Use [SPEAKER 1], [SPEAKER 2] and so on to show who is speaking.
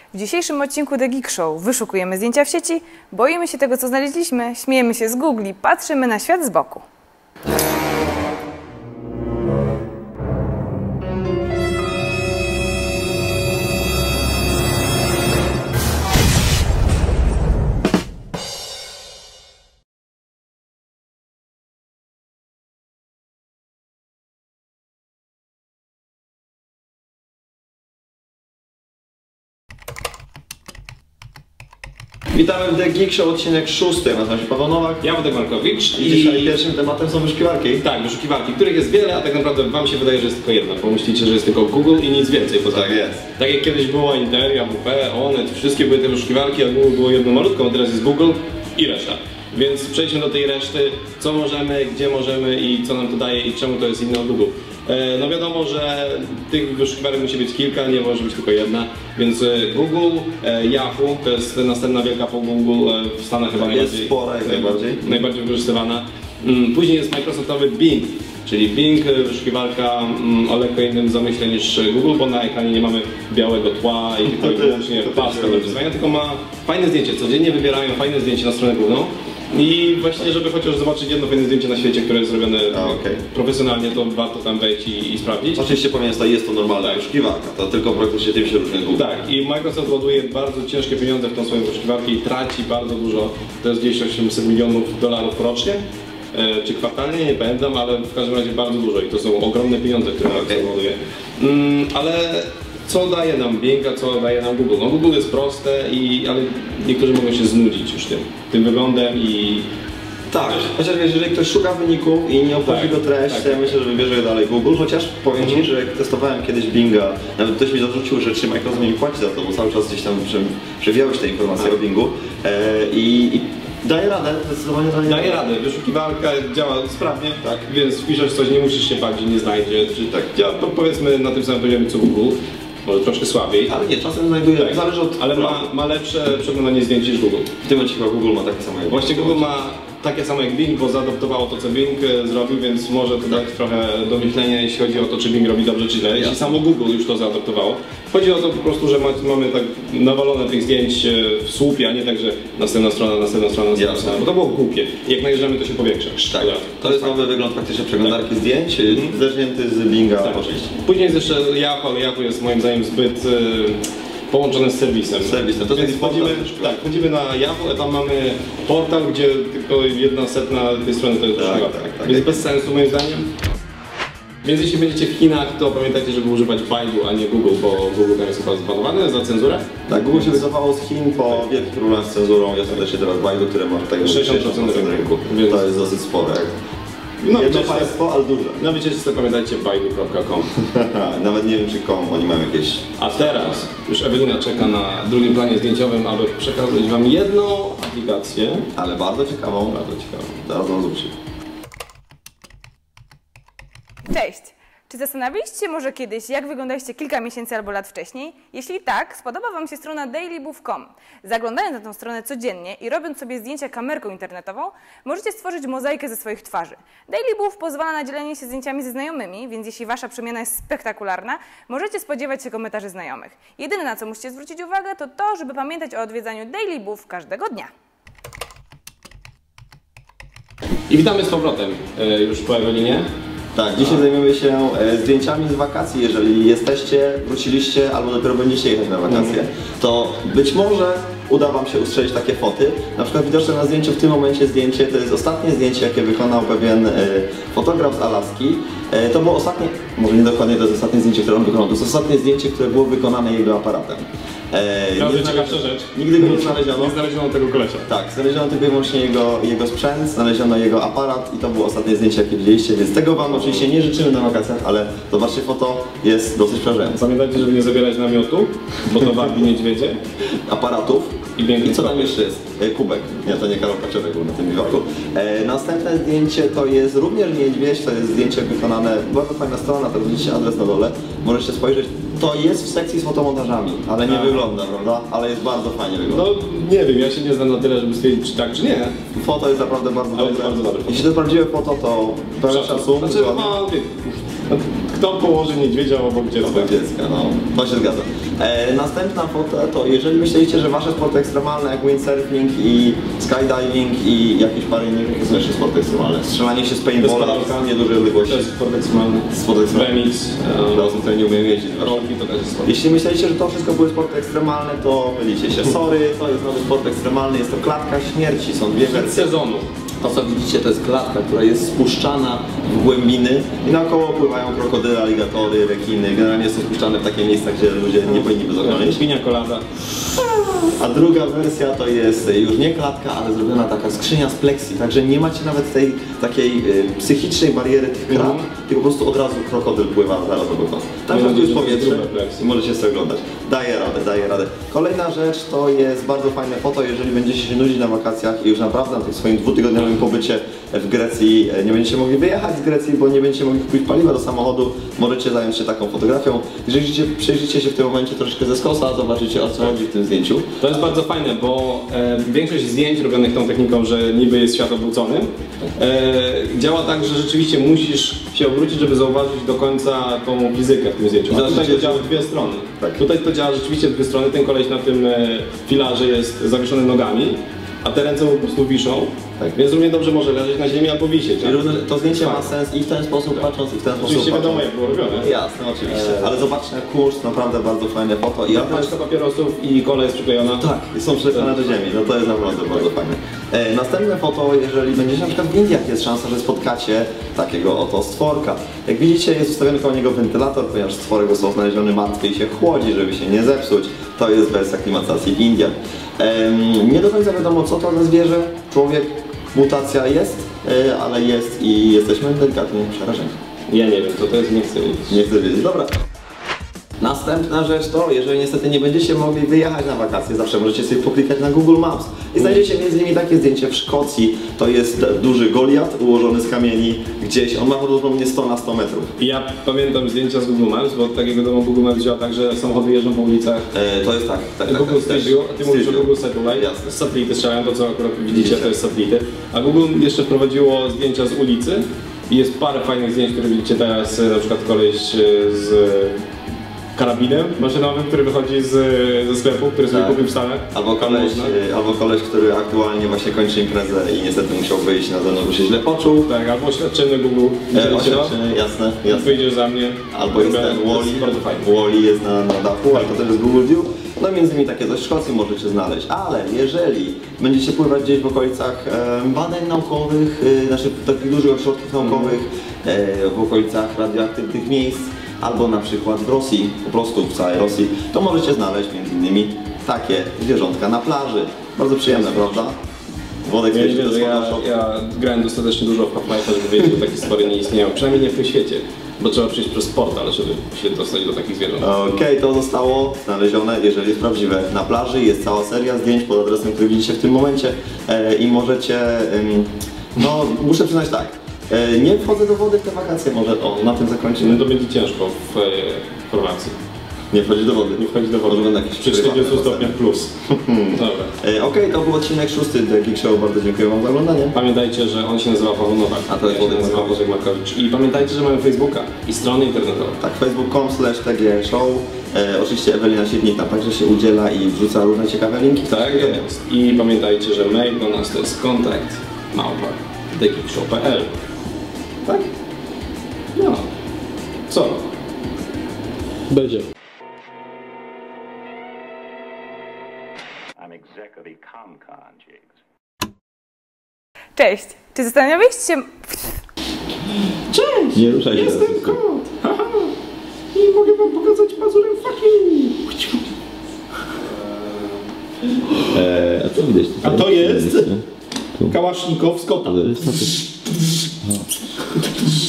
[SPEAKER 1] W dzisiejszym odcinku The Geek Show wyszukujemy zdjęcia w sieci, boimy się tego, co znaleźliśmy, śmiejemy się z Google, patrzymy na świat z boku.
[SPEAKER 2] Witamy w The Geek Show, odcinek 6. Nazywam się Paweł Nowak.
[SPEAKER 3] Ja Wojtek Markowicz.
[SPEAKER 2] I dzisiaj pierwszym tematem są wyszukiwarki.
[SPEAKER 3] Tak, wyszukiwarki, których jest wiele, a tak naprawdę wam się wydaje, że jest tylko jedna. Pomyślicie, że jest tylko Google i nic więcej poza tym.
[SPEAKER 2] Tak jest.
[SPEAKER 3] Tak jak kiedyś było Interia, WP, Onet, wszystkie były te wyszukiwarki, a Google było jedno malutką, a teraz jest Google i reszta. Więc przejdźmy do tej reszty, co możemy, gdzie możemy i co nam to daje i czemu to jest inne od Google. No wiadomo, że tych wyszukiwarek musi być kilka, nie może być tylko jedna, więc Google, Yahoo to jest następna wielka po Google, w Stanach chyba
[SPEAKER 2] jest spora jak
[SPEAKER 3] najbardziej wykorzystywana. Później jest Microsoftowy Bing, czyli Bing, wyszukiwarka o lekko innym zamyśle niż Google, bo na ekranie nie mamy białego tła i tylko i wyłącznie pasta do wyzwania, tylko ma fajne zdjęcie, codziennie wybierają fajne zdjęcie na stronę główną. I właśnie, żeby chociaż zobaczyć jedno fajne zdjęcie na świecie, które jest zrobione profesjonalnie, to warto tam wejść i sprawdzić.
[SPEAKER 2] Oczywiście pamiętaj, jest to normalna wyszukiwarka, to tylko praktycznie tym się różni Google.
[SPEAKER 3] Tak, i Microsoft ładuje bardzo ciężkie pieniądze w tą swoją wyszukiwarkę i traci bardzo dużo, to jest gdzieś 800 milionów dolarów rocznie, czy kwartalnie, nie pamiętam, ale w każdym razie bardzo dużo i to są ogromne pieniądze, które Microsoft ładuje. Ale co daje nam Bing, a co daje nam Google? No Google jest proste, ale niektórzy mogą się znudzić już tym wyglądem i...
[SPEAKER 2] Tak, chociaż wiesz, jeżeli ktoś szuka wyników i nie obchodzi go treść, to ja myślę, że wybierze dalej Google, chociaż powiem Ci, że jak testowałem kiedyś Binga, nawet ktoś mi zarzucił, że czy Microsoft mi płaci za to, bo cały czas gdzieś tam przewijały się te informacje o Bingu i daje radę, zdecydowanie daje radę.
[SPEAKER 3] Wyszukiwarka działa sprawnie, tak, więc wpiszesz coś, nie musisz się bać, że nie znajdzie, czy tak, działa powiedzmy na tym samym poziomie co Google. Może troszkę słabiej.
[SPEAKER 2] Ale nie, czasem znajduje,
[SPEAKER 3] tak,
[SPEAKER 2] zależy od...
[SPEAKER 3] Ale ma lepsze przeglądanie zdjęć niż Google.
[SPEAKER 2] W tym momencie chyba Google ma takie samo jak
[SPEAKER 3] Właśnie Google ma takie samo jak Bing, bo zaadoptowało to, co Bing zrobił, więc może to dać trochę do myślenia, jeśli chodzi o to, czy Bing robi dobrze, czy źle. Jeśli samo Google już to zaadoptowało. Chodzi o to po prostu, że mamy tak nawalone tych zdjęć w słupie, a nie tak, że następna strona, bo to było głupie. I jak najeżdżamy, to się powiększa.
[SPEAKER 2] Tak. To jest nowy wygląd faktycznie przeglądarki zdjęć, zerżnięty z Binga oczywiście.
[SPEAKER 3] Później jest jeszcze Yahoo, ale Yahoo jest moim zdaniem zbyt połączone z serwisem.
[SPEAKER 2] To
[SPEAKER 3] więc wchodzimy na Yahoo, a tam mamy portal, gdzie tylko 1/100 tej strony to jest
[SPEAKER 2] tak.
[SPEAKER 3] Więc bez sensu moim zdaniem. Więc jeśli będziecie w Chinach, to pamiętajcie, żeby używać Baidu, a nie Google, bo Google jest chyba zbanowane za cenzurę.
[SPEAKER 2] Tak, Google się wycofało z Chin po wielkich problemach z cenzurą. Jest też teraz Baidu, które ma tutaj
[SPEAKER 3] 60% rynku. Więc
[SPEAKER 2] to jest dosyć spore. Jedno państwo, ale duże.
[SPEAKER 3] Na wycieczce pamiętajcie baidu.com.
[SPEAKER 2] Nawet nie wiem, czy oni mają jakieś...
[SPEAKER 3] A teraz już Ewelina czeka na drugim planie zdjęciowym, aby przekazać wam jedną aplikację.
[SPEAKER 2] Ale bardzo ciekawą. Zaraz wam zobaczycie.
[SPEAKER 1] Cześć! Czy zastanawialiście się może kiedyś, jak wyglądaliście kilka miesięcy albo lat wcześniej? Jeśli tak, spodoba Wam się strona dailybooth.com. Zaglądając na tę stronę codziennie i robiąc sobie zdjęcia kamerką internetową, możecie stworzyć mozaikę ze swoich twarzy. Dailybooth pozwala na dzielenie się zdjęciami ze znajomymi, więc jeśli Wasza przemiana jest spektakularna, możecie spodziewać się komentarzy znajomych. Jedyne, na co musicie zwrócić uwagę, to to, żeby pamiętać o odwiedzaniu Dailybooth każdego dnia.
[SPEAKER 3] I witamy z powrotem już po Ewelinie.
[SPEAKER 2] Tak, dzisiaj zajmiemy się zdjęciami z wakacji. Jeżeli jesteście, wróciliście albo dopiero będziecie jechać na wakacje, to być może uda Wam się ustrzelić takie foty. Na przykład widoczne na zdjęciu w tym momencie zdjęcie to jest ostatnie zdjęcie, jakie wykonał pewien fotograf z Alaski. To było ostatnie, może nie dokładnie to jest ostatnie zdjęcie, które on wykonał, to jest ostatnie zdjęcie, które było wykonane jego aparatem.
[SPEAKER 3] Ciekawsza rzecz.
[SPEAKER 2] Nigdy go nie znaleziono.
[SPEAKER 3] Nie znaleziono tego kolesia.
[SPEAKER 2] Tak, znaleziono tylko i wyłącznie jego sprzęt, znaleziono jego aparat i to było ostatnie zdjęcie, jakie widzieliście, więc tego Wam oczywiście nie życzymy na wakacjach, ale zobaczcie, foto jest dosyć przerażające.
[SPEAKER 3] Pamiętajcie, żeby nie zabierać namiotu, bo to wabi niedźwiedzie.
[SPEAKER 2] Aparatów. I co tam jeszcze jest? Kubek. Nie, to nie Karol Kaczorek był na tym biwaku. Następne zdjęcie to jest również niedźwiedź, to jest zdjęcie wykonane, bardzo fajna strona, to widzicie adres na dole, możecie spojrzeć. To jest w sekcji z fotomontażami, ale nie wygląda, prawda? Ale jest bardzo fajnie wygląda.
[SPEAKER 3] No nie wiem, ja się nie znam na tyle, żeby stwierdzić, czy tak, czy nie.
[SPEAKER 2] Foto jest naprawdę bardzo dobre.
[SPEAKER 3] Bardzo dobre.
[SPEAKER 2] Jeśli to jest prawdziwe foto, to pełen szacun.
[SPEAKER 3] Znaczy, Kto położy niedźwiedzia obok dziecka?
[SPEAKER 2] Obok dziecka, no. To się zgadza. Następna fota to jeżeli myślicie, że wasze sporty ekstremalne jak windsurfing i skydiving i jakieś parę innych, to są jeszcze sporty ekstremalne. Strzelanie się z paintballa w niedużej odległości.
[SPEAKER 3] To jest sport ekstremalny.
[SPEAKER 2] Sport ekstremalny.
[SPEAKER 3] Remix.
[SPEAKER 2] Dla osób, które nie umieją jeździć.
[SPEAKER 3] Rolki to też jest sport.
[SPEAKER 2] Jeśli myślicie, że to wszystko były sporty ekstremalne, to mylicie się. Sorry, to jest nowy sport ekstremalny, jest to klatka śmierci, są dwie wersje.
[SPEAKER 3] Sezonu.
[SPEAKER 2] To co widzicie to jest klatka, która jest spuszczana w głębiny i naokoło pływają krokodyle, aligatory, rekiny. Generalnie są spuszczane w takie miejsca, gdzie ludzie nie powinni by zaglądać.
[SPEAKER 3] Pinia colada.
[SPEAKER 2] A druga wersja to jest już nie klatka, ale zrobiona taka skrzynia z pleksji, także nie macie nawet tej takiej psychicznej bariery tych krab, tylko po prostu od razu krokodyl pływa zaraz obok was. Tam
[SPEAKER 3] Mam nadzieję,
[SPEAKER 2] jest
[SPEAKER 3] że to jest
[SPEAKER 2] powietrze
[SPEAKER 3] grube pleksji.
[SPEAKER 2] i możecie sobie oglądać. Daje radę, daje radę. Kolejna rzecz to jest bardzo fajne foto, jeżeli będziecie się nudzić na wakacjach i już naprawdę na tym swoim dwutygodniowym pobycie w Grecji nie będziecie mogli wyjechać z Grecji, bo nie będziecie mogli kupić paliwa do samochodu, możecie zająć się taką fotografią. Jeżeli przejrzycie się w tym momencie troszeczkę ze skosa, zobaczycie o co chodzi w tym zdjęciu.
[SPEAKER 3] To jest bardzo fajne, bo większość zdjęć robionych tą techniką, że niby jest świat obrócony, działa tak, że rzeczywiście musisz się obrócić, żeby zauważyć do końca tą fizykę w tym zdjęciu. A tutaj to działa w dwie strony.
[SPEAKER 2] Tak.
[SPEAKER 3] Tutaj to działa rzeczywiście w dwie strony. Ten koleś na tym filarze jest zawieszony nogami, a te ręce mu po prostu wiszą.
[SPEAKER 2] Tak.
[SPEAKER 3] Więc równie dobrze może leżeć na ziemi albo wisieć.
[SPEAKER 2] Czyli również to zdjęcie ma sens i w ten sposób patrząc, i w ten sposób
[SPEAKER 3] Oczywiście
[SPEAKER 2] patrząc.
[SPEAKER 3] wiadomo jak było robione.
[SPEAKER 2] Jasne, oczywiście. Ale zobaczcie na kurs, naprawdę bardzo fajne foto. I
[SPEAKER 3] Paczka papierosów i kola jest przyklejona.
[SPEAKER 2] tak, i są przylepione do ziemi, no to jest naprawdę bardzo fajne. Następne foto, jeżeli będziecie na przykład w Indiach, jest szansa, że spotkacie takiego oto stworka. Jak widzicie, jest ustawiony koło niego wentylator, ponieważ stworek został znaleziony martwy i się chłodzi, żeby się nie zepsuć. To jest wersja klimatyzacji w Indiach. Nie do końca wiadomo, co to za zwierzę, człowiek, mutacja jest, ale jest i jesteśmy delikatnie przerażeni.
[SPEAKER 3] Ja nie wiem, co to jest, nie chcę wiedzieć.
[SPEAKER 2] Nie chcę wiedzieć. Dobra. Następna rzecz to, jeżeli niestety nie będziecie mogli wyjechać na wakacje, zawsze możecie sobie poklikać na Google Maps i znajdziecie m.in. takie zdjęcie w Szkocji. To jest duży Goliat ułożony z kamieni gdzieś, on ma prawdopodobnie 100 na 100 metrów.
[SPEAKER 3] Ja pamiętam zdjęcia z Google Maps, bo od takiego domu Google Maps działa tak, że samochody jeżdżą po ulicach.
[SPEAKER 2] To jest tak.
[SPEAKER 3] Google Street View, a ty mówisz o Google Satellite.
[SPEAKER 2] Jasne.
[SPEAKER 3] Satelity strzelają, to co akurat widzicie, to jest satelity. A Google jeszcze wprowadziło zdjęcia z ulicy i jest parę fajnych zdjęć, które widzicie teraz, na przykład koleś z karabinem maszynowym, który wychodzi ze sklepu, który sobie kupił w Stanach.
[SPEAKER 2] Albo koleś, który aktualnie właśnie kończy imprezę i niestety musiał wyjść na zewnątrz, bo się źle poczuł.
[SPEAKER 3] Tak, albo oświadczyny Google.
[SPEAKER 2] Oświadczyny, jasne.
[SPEAKER 3] Wyjdziesz za mnie.
[SPEAKER 2] Albo jest ten Wall-E jest na dachu, ale to też jest Google View. No między innymi takie coś w Szkocji możecie znaleźć, ale jeżeli będziecie pływać gdzieś w okolicach badań naukowych, znaczy takich dużych ośrodków naukowych, w okolicach radioaktywnych miejsc, albo na przykład w Rosji, po prostu w całej Rosji, to możecie znaleźć między innymi takie zwierzątka na plaży. Bardzo przyjemne, prawda? Wodek
[SPEAKER 3] ja grałem dostatecznie dużo w Half-Life'a, żeby wiedzieć, że takie stwory nie istnieją, przynajmniej nie w tym świecie. Bo trzeba przejść przez portal, żeby się dostać do takich zwierząt.
[SPEAKER 2] Okej, to zostało znalezione, jeżeli jest prawdziwe. Na plaży jest cała seria zdjęć pod adresem, który widzicie w tym momencie i możecie, no muszę przyznać tak, nie wchodzę do wody w te wakacje, może na tym zakończymy.
[SPEAKER 3] No to będzie ciężko w Chorwacji.
[SPEAKER 2] Nie wchodzi do wody.
[SPEAKER 3] Nie wchodzi do wody.
[SPEAKER 2] Może będą jakieś
[SPEAKER 3] przy 40 stopniach plus. Dobra.
[SPEAKER 2] Okej, to był odcinek 6 The Geek Show. Bardzo dziękuję wam za oglądanie.
[SPEAKER 3] Pamiętajcie, że on się nazywa Paweł Nowak.
[SPEAKER 2] A to jest
[SPEAKER 3] Włodek Markowicz. I pamiętajcie, że mamy Facebooka i stronę internetową.
[SPEAKER 2] Tak, facebook.com/tgshow. Oczywiście Ewelina Siednik tam także się udziela i wrzuca różne ciekawe linki.
[SPEAKER 3] Tak jest. I pamiętajcie, że mail do nas to jest kontakt@thegeekshow.pl.
[SPEAKER 2] Tak?
[SPEAKER 3] No. Co? Będzie.
[SPEAKER 4] I'm exec of Ecomcon, Jigs.
[SPEAKER 1] Cześć! Czy zastanawialiście się...
[SPEAKER 3] Cześć!
[SPEAKER 2] Nie ruszaj się.
[SPEAKER 3] Jestem kot! Haha! I mogę wam pokazać pazurem fucking!
[SPEAKER 2] A co widać tutaj?
[SPEAKER 3] A to jest kałasznikow z kota.